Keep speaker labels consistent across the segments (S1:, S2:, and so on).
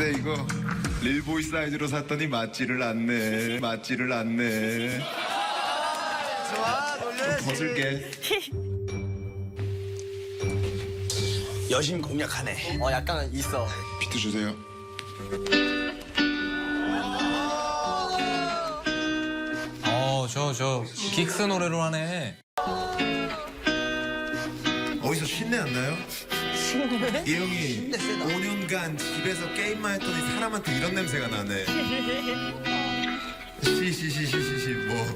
S1: 근데 이거 릴보이 사이즈로 샀더니 맞지를 않네. 맞지를 않네.
S2: 좋아, 놀려야지.
S1: 벗을게.
S3: 여심 공략하네.
S2: 약간 있어.
S1: 비트 주세요.
S4: 저 긱스 노래로 하네.
S1: 어디서 신내 안 나요? 신내? 이 형이 5년간 집에서 게임만 했더니 사람한테 이런 냄새가 나네. 시시시시시시 뭐.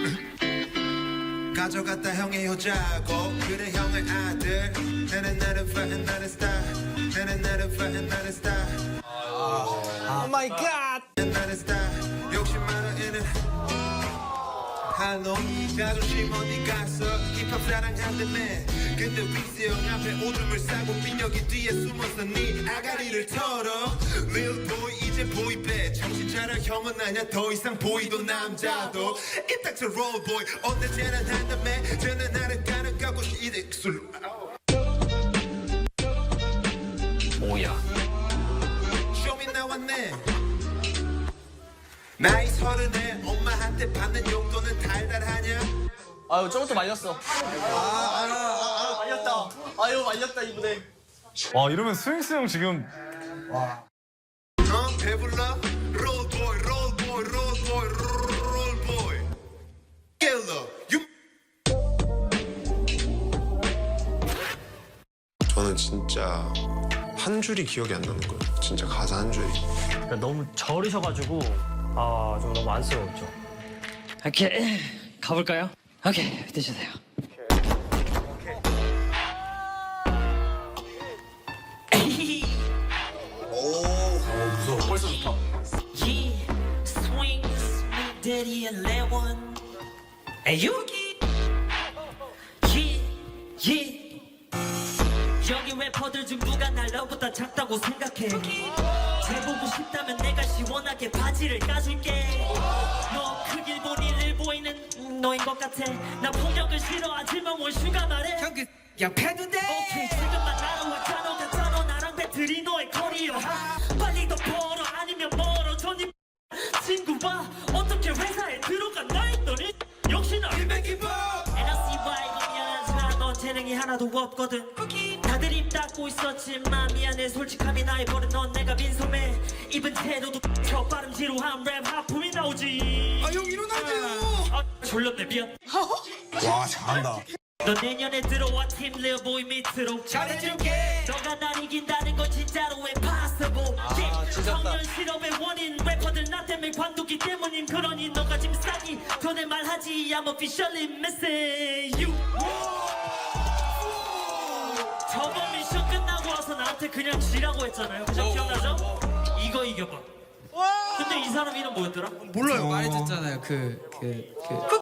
S1: 가져갔다 형의 여자고 그래 형의 아들. 나는 파는 나는 스타. 나는 파는 나는 스타.
S2: 오 마이 갓.
S1: 나는 스타. 욕심 많아 얘는. 한놈 자존심 어디 갔어 힙합 사랑한다며 근데 윅스 형 앞에 오줌을 싸고 민혁이 뒤에 숨어서 네 아가리를 털어 Lil boy 이제 보이배 정신 차려 형은 아냐 더 이상 보이도 남자도 이딱저 roll boy 언제나 한다며 저는 나를 가는 가고 이제 술
S4: 뭐야?
S1: 쇼미 나왔네 나이 30에 엄마한테 받는 용돈은 달달하냐
S2: 아유, 저것도 말렸어. 말렸다. 아유, 말렸다, 이분에.
S5: 와 이러면 스윙스 형 지금
S1: 배불러 롤보이 롤보이 롤보이 롤보이 킬러
S6: 저는 진짜 한 줄이 기억이 안 나는 거예요. 진짜 가사 한 줄이.
S7: 그러니까 너무 저리셔가지고 좀 너무 안쓰러웠죠.
S8: 오케이 가볼까요? 오케이 드셔세요.
S3: 벌써 좋다.
S9: swings daddy and Lewin and Yuki 여기 래퍼들 중 누가 날 너보다 작다고 생각해 재보고 싶다면 내가 시원하게 바지를 까줄게 너 크길 보니 일 보이는 너인 것 같아 나 폭력을 싫어하지만 원슈가 말해 형 그 양패는데 오케이 지금만 날아왔잖아 같잖아 나랑 배틀이 너의 커리어 빨리 더 벌어 아니면 멀어져 니 친구 봐 어떻게 회사에 들어갔나 했더니 역시나 일백이봐 NRCY 이거 미안하지만 넌 재능이 하나도 없거든 다들 입 닫고 있었지만 미안해 솔직함이 나의 버릇 넌 내가 민소매 입은 태도도 저 빠름지루한 랩 하품이 나오지
S1: 아 형 일어나세요
S9: 졸렸네 미안
S3: 와 잘한다.
S9: 너 내년에 들어와 팀 리얼보이 밑으로 잘해줄게 너가 날 이긴다는 건 진짜로 impossible 청년 실업의 원인 래퍼들 나 때문에 관두기 때문인 그러니 너가 지금 싸기 전에 말하지 I'm officially missing you 저번 미션 끝나고 와서 나한테 그냥 지라고 했잖아요 그죠? 기억나죠? 이거 이겨봐 근데 이 사람 이름 뭐였더라?
S2: 몰라요.
S8: 말해줬잖아요.